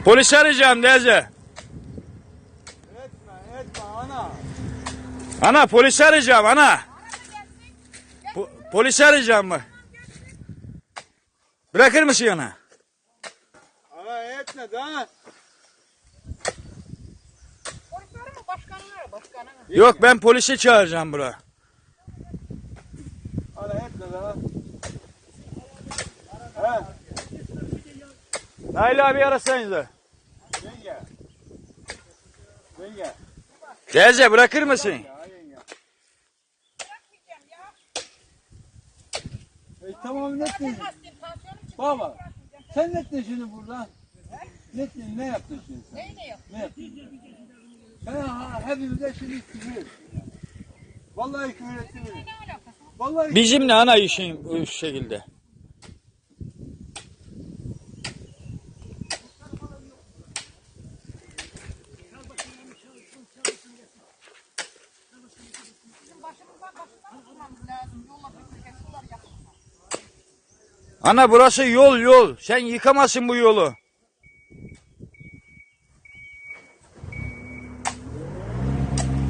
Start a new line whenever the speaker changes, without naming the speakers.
Polis arayacağım teyze.
Etme ana.
Ana polis arayacağım ana. Polis arayacağım mı? Bırakır mısın ana?
Ana etme daha.
Polisleri mi? Başkanına.
Yok ben polisi çağıracağım buraya.
Ana etme daha. He.
Nail abi arasanız da.
Yenge. Yenge.
Teyze bırakır mısın?
Ya yenge.
Bırakmayacağım ya.
Tamam ne ettin? Baba. Sen ne ettin şimdi burada? Ne ettin? Ne yaptın şimdi sen?
Ne yok?
Ne yaptın? Sen hepimize şimdi küfür ettin. Vallahi küfür ettin.
Ne alakası?
Vallahi
Bizimle ana işin bu şekilde.
Bizim başımızdan tutmamız lazım. Yolla bir sular yapılsın.
Ana burası yol. Sen yıkamazsın bu yolu.